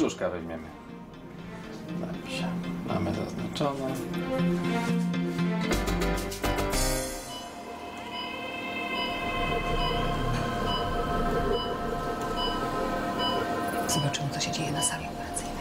brzuszka weźmiemy. Dobrze, mamy zaznaczone. Zobaczymy, co się dzieje na sali operacyjnej.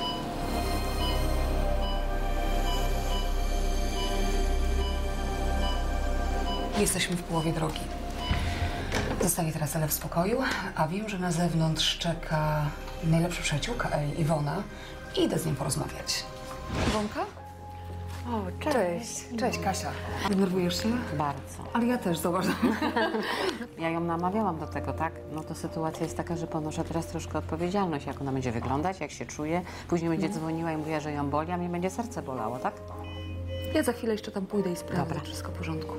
Jesteśmy w połowie drogi. Zostawię teraz Elę w spokoju, a wiem, że na zewnątrz czeka najlepsza przyjaciółka Eli, Iwona, i idę z nią porozmawiać. Iwonka? O, cześć. Cześć, Kasia. Denerwujesz się? Bardzo. Ale ja też, zobacz. Ja ją namawiałam do tego, tak? No to sytuacja jest taka, że ponoszę teraz troszkę odpowiedzialność, jak ona będzie wyglądać, jak się czuje. Później będzie dzwoniła i mówiła, że ją boli, a mnie będzie serce bolało, tak? Ja za chwilę jeszcze tam pójdę i sprawdzę, Dobra. czy wszystko w porządku.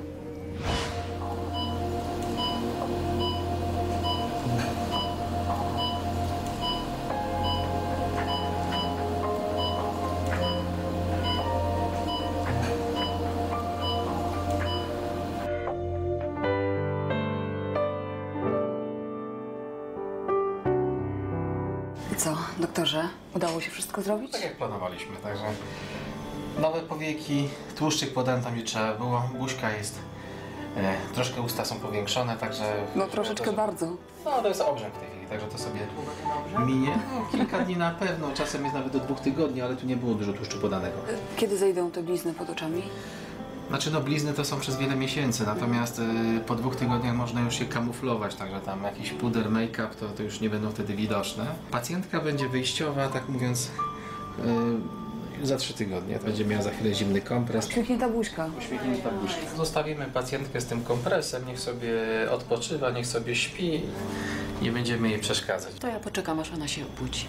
I co, doktorze? Udało się wszystko zrobić? Tak jak planowaliśmy, także nowe powieki, tłuszczyk podałem tam, gdzie trzeba było, buźka jest, troszkę usta są powiększone, także... No troszeczkę to, bardzo. No to jest obrzęk w tej chwili, także to sobie minie. No, kilka dni na pewno, czasem jest nawet do 2 tygodni, ale tu nie było dużo tłuszczu podanego. Kiedy zejdą te blizny pod oczami? Znaczy no blizny to są przez wiele miesięcy, natomiast po 2 tygodniach można już się kamuflować, także tam jakiś puder, make-up to już nie będą wtedy widoczne. Pacjentka będzie wyjściowa, tak mówiąc, za 3 tygodnie. Będzie miała za chwilę zimny kompres. Uśmiechnięta buźka. Uśmiechnięta buźka. Zostawimy pacjentkę z tym kompresem, niech sobie odpoczywa, niech sobie śpi. Nie będziemy jej przeszkadzać. To ja poczekam, aż ona się obudzi.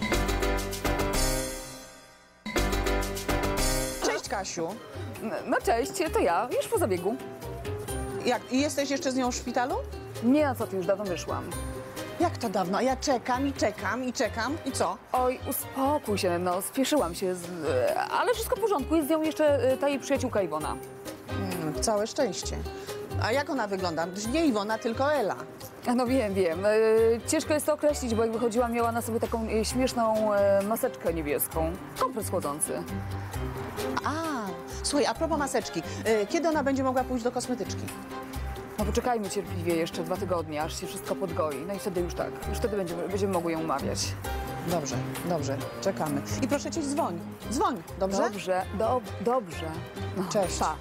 Cześć, Kasiu. No cześć, to ja, już po zabiegu. Jak, i jesteś jeszcze z nią w szpitalu? Nie, a co ty, już dawno wyszłam. Jak to dawno? Ja czekam i czekam i czekam. I co? Oj, uspokój się, no, spieszyłam się, ale wszystko w porządku, jest z nią jeszcze ta jej przyjaciółka Iwona. Całe szczęście. A jak ona wygląda? Nie Iwona, tylko Ela. No wiem. Ciężko jest to określić, bo jak wychodziła, miała na sobie taką śmieszną maseczkę niebieską. Kompres chłodzący. A, słuchaj, a propos maseczki. Kiedy ona będzie mogła pójść do kosmetyczki? No poczekajmy cierpliwie jeszcze 2 tygodnie, aż się wszystko podgoi. No i wtedy już tak, już wtedy będziemy mogły ją umawiać. Dobrze, dobrze, czekamy. I proszę cię, dzwoń. Dzwoń, dobrze? Dobrze. No, Cześć. Pa.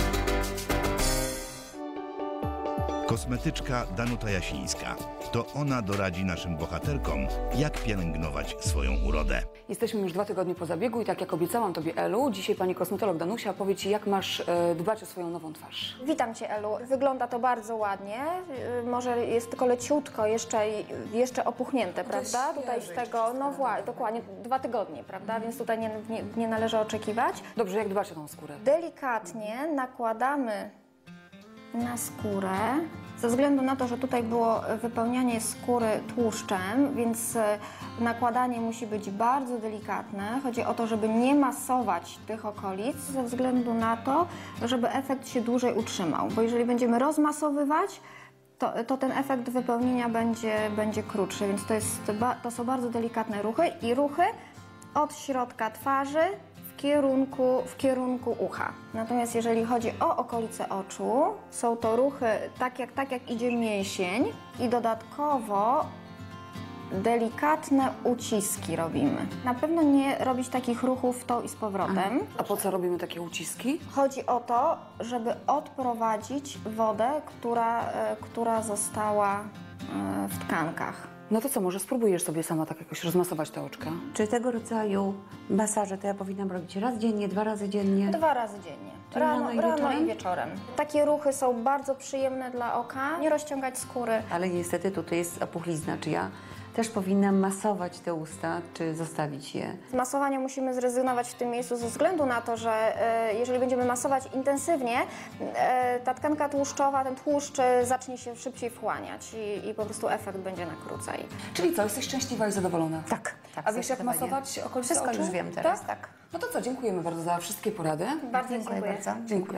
Kosmetyczka Danuta Jasińska. To ona doradzi naszym bohaterkom, jak pielęgnować swoją urodę. Jesteśmy już 2 tygodnie po zabiegu i tak jak obiecałam tobie, Elu, dzisiaj pani kosmetolog Danusia powie ci, jak masz dbać o swoją nową twarz. Witam Cię, Elu. Wygląda to bardzo ładnie. Może jest tylko leciutko, jeszcze opuchnięte, prawda? Tutaj z tego, no dokładnie 2 tygodnie, prawda? Więc tutaj nie należy oczekiwać. Dobrze, jak dbać o tą skórę? Delikatnie nakładamy na skórę. Ze względu na to, że tutaj było wypełnianie skóry tłuszczem, więc nakładanie musi być bardzo delikatne. Chodzi o to, żeby nie masować tych okolic, ze względu na to, żeby efekt się dłużej utrzymał. Bo jeżeli będziemy rozmasowywać, to ten efekt wypełnienia będzie krótszy, więc to są bardzo delikatne ruchy i ruchy od środka twarzy w kierunku ucha. Natomiast jeżeli chodzi o okolice oczu, są to ruchy tak jak idzie mięsień i dodatkowo delikatne uciski robimy. Na pewno nie robić takich ruchów w tą i z powrotem. A po co robimy takie uciski? Chodzi o to, żeby odprowadzić wodę, która została w tkankach. No to co, może spróbujesz sobie sama tak jakoś rozmasować te oczka? Czy tego rodzaju masaże to ja powinnam robić raz dziennie, 2 razy dziennie? 2 razy dziennie. Czyli rano i wieczorem? I wieczorem. Takie ruchy są bardzo przyjemne dla oka. Nie rozciągać skóry. Ale niestety tutaj jest opuchlizna. Czy ja też powinnam masować te usta, czy zostawić je? Z masowania musimy zrezygnować w tym miejscu ze względu na to, że jeżeli będziemy masować intensywnie, ta tkanka tłuszczowa, ten tłuszcz zacznie się szybciej wchłaniać i po prostu efekt będzie na krócej. Czyli co, jesteś szczęśliwa i zadowolona? Tak. A wiesz, jak zdecydowanie. masować okolice Wszystko oczu? już wiem teraz, tak. No to co, dziękujemy bardzo za wszystkie porady. Bardzo dziękuję. bardzo. Dziękuję.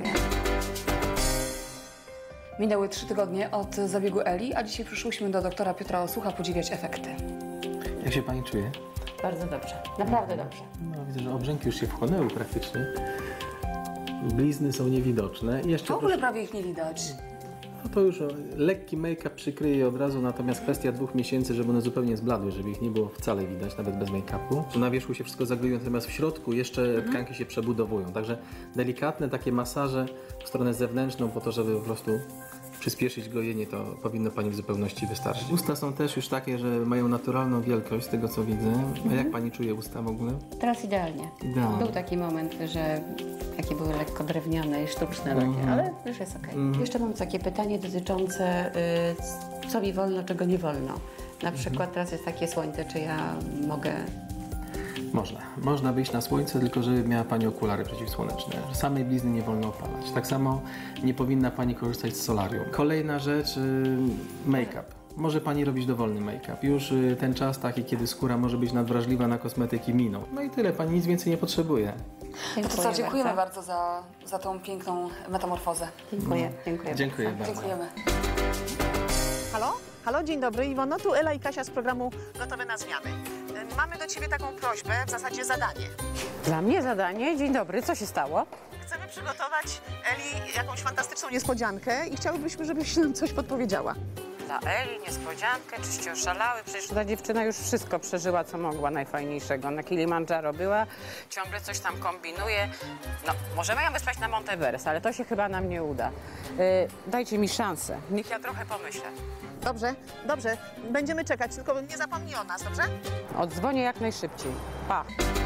Minęły 3 tygodnie od zabiegu Eli, a dzisiaj przyszłyśmy do doktora Piotra Osucha podziwiać efekty. Jak się pani czuje? Bardzo dobrze, naprawdę dobrze. No, widzę, że obrzęki już się wchłonęły praktycznie. Blizny są niewidoczne. I jeszcze W ogóle prawie ich nie widać. no to już lekki make-up przykryje je od razu, natomiast kwestia 2 miesięcy, żeby one zupełnie zbladły, żeby ich nie było wcale widać, nawet bez make-upu. Tu na wierzchu się wszystko zagluje, natomiast w środku jeszcze tkanki się przebudowują. Także delikatne takie masaże w stronę zewnętrzną po to, żeby po prostu przyspieszyć gojenie, to powinno Pani w zupełności wystarczyć. Usta są też już takie, że mają naturalną wielkość, z tego co widzę. A jak Pani czuje usta w ogóle? Teraz idealnie. Idealnie. Był taki moment, że takie były lekko drewniane i sztuczne takie, ale już jest okej. Jeszcze mam takie pytanie dotyczące co mi wolno, czego nie wolno. Na przykład teraz jest takie słońce, czy ja mogę... Można wyjść na słońce, tylko żeby miała Pani okulary przeciwsłoneczne. Samej blizny nie wolno opalać. Tak samo nie powinna Pani korzystać z solarium. Kolejna rzecz, make-up. Może Pani robić dowolny make-up. Już ten czas taki, kiedy skóra może być nadwrażliwa na kosmetyki minął. No i tyle, Pani nic więcej nie potrzebuje. To co, dziękujemy bardzo za tą piękną metamorfozę. Dziękuję, dziękuję. Dziękuję bardzo. Dziękujemy. Halo? Halo, dzień dobry. Iwono, tu Ela i Kasia z programu Gotowe na zmiany. Mamy do Ciebie taką prośbę, w zasadzie zadanie. Dla mnie zadanie. Dzień dobry, co się stało? Chcemy przygotować Eli jakąś fantastyczną niespodziankę i chciałybyśmy, żebyś nam coś podpowiedziała. Dla Eli niespodziankę, czyście oszalały. Przecież ta dziewczyna już wszystko przeżyła, co mogła najfajniejszego. Na Kilimandżaro była, ciągle coś tam kombinuje. No, możemy ją wysłać na Monteverest, ale to się chyba nam nie uda. Dajcie mi szansę, niech ja trochę pomyślę. Dobrze, dobrze. Będziemy czekać, tylko nie zapomnij o nas, dobrze? Odzwonię jak najszybciej. Pa!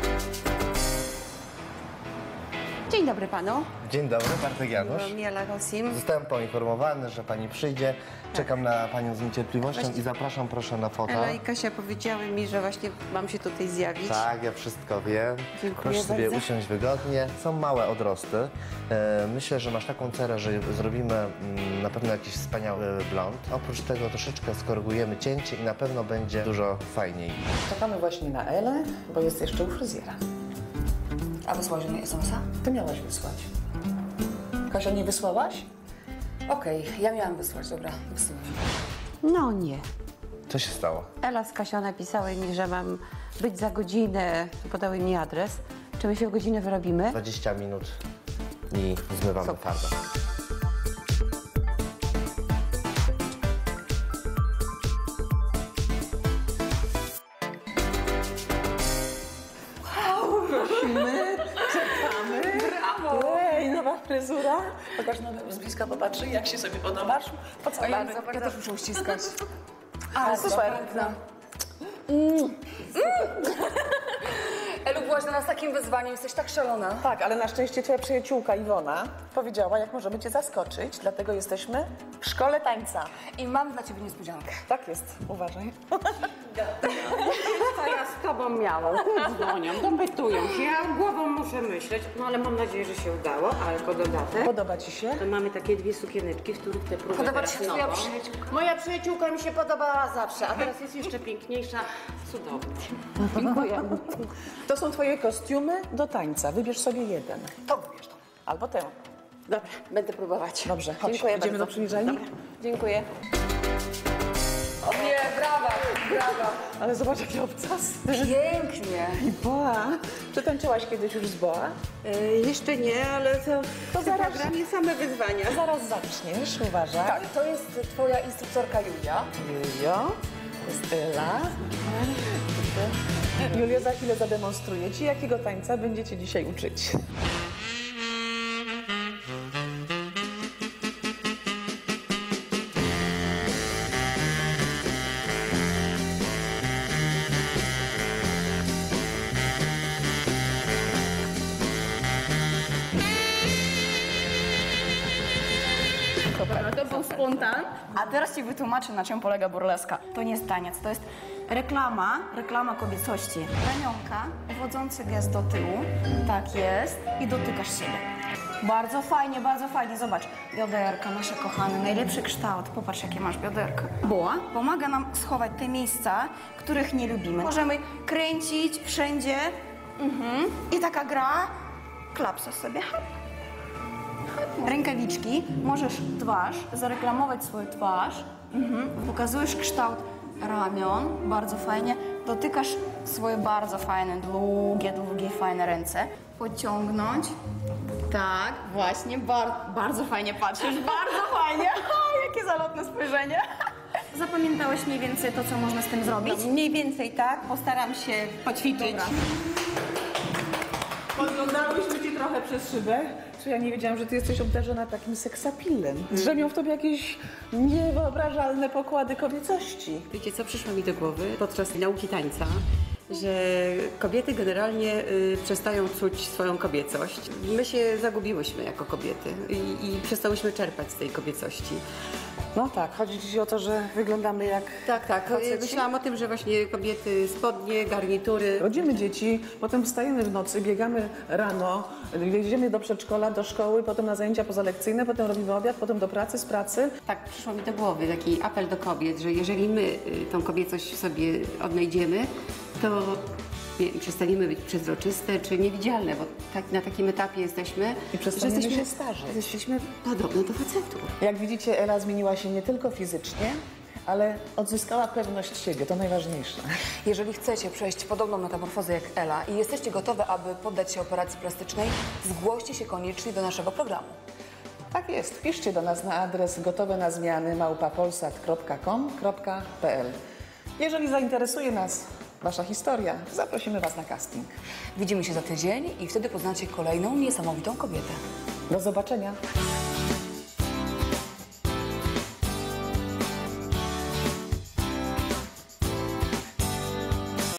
Dzień dobry panu. Dzień dobry, Bartek Janusz. Miela Rosim. Zostałem poinformowany, że pani przyjdzie. Czekam na panią z niecierpliwością i zapraszam proszę na foto. Ela i Kasia powiedziały mi, że właśnie mam się tutaj zjawić. Tak, ja wszystko wiem. Dziękuję Proszę sobie bardzo. usiąść wygodnie. Są małe odrosty. Myślę, że masz taką cerę, że zrobimy na pewno jakiś wspaniały blond. Oprócz tego troszeczkę skorygujemy cięcie i na pewno będzie dużo fajniej. Czekamy właśnie na Elę, bo jest jeszcze u fryzjera. A wysłałeś mi SMS-a? Ty miałaś wysłać. Kasia, nie wysłałaś? Okej, ja miałam wysłać, dobra, wysyłam. No nie. Co się stało? Ela z Kasią napisały mi, że mam być za godzinę. Podały mi adres. Czy my się w godzinę wyrobimy? 20 minut i zmywamy Super. farbę. Ej, nowa fryzura. Pokaż z bliska, popatrzy, jak się sobie podobasz. Pocałujemy. Ja też muszę uściskać. A, super. Elu, byłaś dla nas takim wyzwaniem, jesteś tak szalona. Tak, ale na szczęście twoja przyjaciółka Iwona powiedziała, jak możemy cię zaskoczyć, dlatego jesteśmy w szkole tańca. I mam dla ciebie niespodziankę. Tak jest, uważaj. Co ja z tobą miałam? Dzwonią, dopytują się, ja głową muszę myśleć. No ale mam nadzieję, że się udało, ale jako dodatek. Podoba ci się? To mamy takie 2 sukieneczki, w których te próby Podoba teraz ci się twoja nową. przyjaciółka? Moja przyjaciółka mi się podobała zawsze, a teraz jest jeszcze piękniejsza. Cudownie. Dziękuję. To są twoje kostiumy do tańca. Wybierz sobie jeden. To wybierz to. Albo tę. Dobra, będę próbować. Dobrze, chodź. Dziękuję Idziemy bardzo. do przyniżalni? Dobra, dziękuję. Nie, brawa, brawa. Ale zobacz, jaki obcas. Pięknie. I boa. Czy tańczyłaś kiedyś już z boa? Jeszcze nie, ale to zaraz. programie same wyzwania. Zaraz zaczniesz, uważaj. Tak, to jest twoja instruktorka Julia. Julio, to jest Ela. Julio za chwilę zademonstruje ci, jakiego tańca będziecie dzisiaj uczyć. To był spontan. A teraz ci wytłumaczę, na czym polega burleska. To nie jest taniec, to jest reklama kobiecości. Ramionka, wodzący gest do tyłu, tak jest, i dotykasz siebie. Bardzo fajnie, zobacz. Bioderka, nasze kochane, najlepszy kształt. Popatrz, jakie masz bioderka. Boa pomaga nam schować te miejsca, których nie lubimy. Możemy kręcić wszędzie. I taka gra, klapsa sobie, hop. Rękawiczki, możesz twarz, zareklamować swoją twarz, pokazujesz kształt ramion, bardzo fajnie, dotykasz swoje bardzo fajne, długie, fajne ręce. Pociągnąć. Tak, właśnie, bardzo fajnie patrzysz, bardzo fajnie. Jakie zalotne spojrzenie. Zapamiętałeś mniej więcej to, co można z tym zrobić? No, mniej więcej tak, postaram się poćwiczyć. Podglądałyśmy Cię trochę przez szybę, czy ja nie wiedziałam, że Ty jesteś obdarzona takim seksapilem. Drzemią w Tobie jakieś niewyobrażalne pokłady kobiecości. Wiecie, co przyszło mi do głowy podczas nauki tańca? Że kobiety generalnie przestają czuć swoją kobiecość. My się zagubiłyśmy jako kobiety i przestałyśmy czerpać z tej kobiecości. No tak, chodzi Ci o to, że wyglądamy jak Tak. faceci? Myślałam o tym, że właśnie kobiety, spodnie, garnitury. Rodzimy dzieci, potem wstajemy w nocy, biegamy rano, jedziemy do przedszkola, do szkoły, potem na zajęcia pozalekcyjne, potem robimy obiad, potem do pracy, z pracy. Tak przyszło mi do głowy taki apel do kobiet, że jeżeli my tą kobiecość w sobie odnajdziemy, to przestaniemy być przezroczyste czy niewidzialne, bo tak, na takim etapie jesteśmy, I przestaniemy się starzeć. Jesteśmy podobne do facetów. Jak widzicie, Ela zmieniła się nie tylko fizycznie, ale odzyskała pewność siebie, to najważniejsze. Jeżeli chcecie przejść podobną metamorfozę jak Ela i jesteście gotowe, aby poddać się operacji plastycznej, zgłoście się koniecznie do naszego programu. Tak jest, piszcie do nas na adres gotowenazmiany@polsat.com.pl. Jeżeli zainteresuje nas Wasza historia, zaprosimy Was na casting. Widzimy się za tydzień i wtedy poznacie kolejną niesamowitą kobietę. Do zobaczenia.